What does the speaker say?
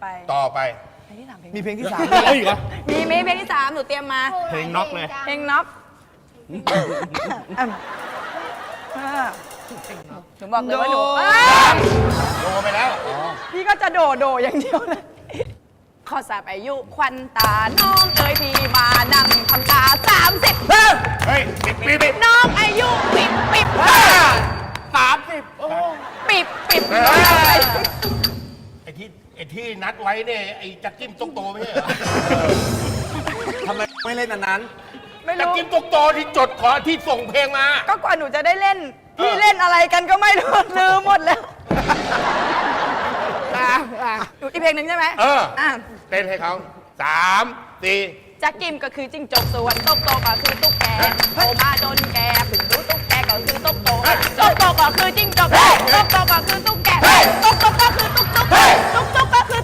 ต่อไปเพลงที่ 3 เพลงมีเพลงที่3 อะไรอีกเหรอมีเพลงที่ 3 หนูเตรียมมาเพลงน็อกเลยเพลงน็อกหนูบอกเลยว่าหนูโดไปแล้วพี่ก็จะโดอย่างเดียวเลยขอสาบอายุควันตา น้องเอ๋ยพี่มานั่งทำตา 30 เฮ้ยปิดน้องอายุปิบ 30 โอ้ปิบไอ้ที่นัดไว้เนี่ยไอ้จักกิ้มตุ๊กโตไม่ใช่เหรอทำไมไม่เล่นอันนั้นไม่จักรู้กิ้มตุ๊กโตที่จดขอที่ส่งเพลงมาก็กว่าหนูจะได้เล่น พี่เล่นอะไรกันก็ไม่รู้ ลืมหมดแล้วหนูอีกเพลงหนึ่งใช่ไหมเอออ่ะเต้นให้เขา3 4 จักกิมก็คือจิ้งจกส่วนตุ๊กโตก็คือตุ๊กแกโตมาจนแกเพิ่งรู้ตุ๊กแกก็คือตุ๊กโตตุ๊กโตก็คือจิ้งจกตุ๊กโตก็คือตุ๊กแกตุ๊กก็คือตุ๊กตุ๊ก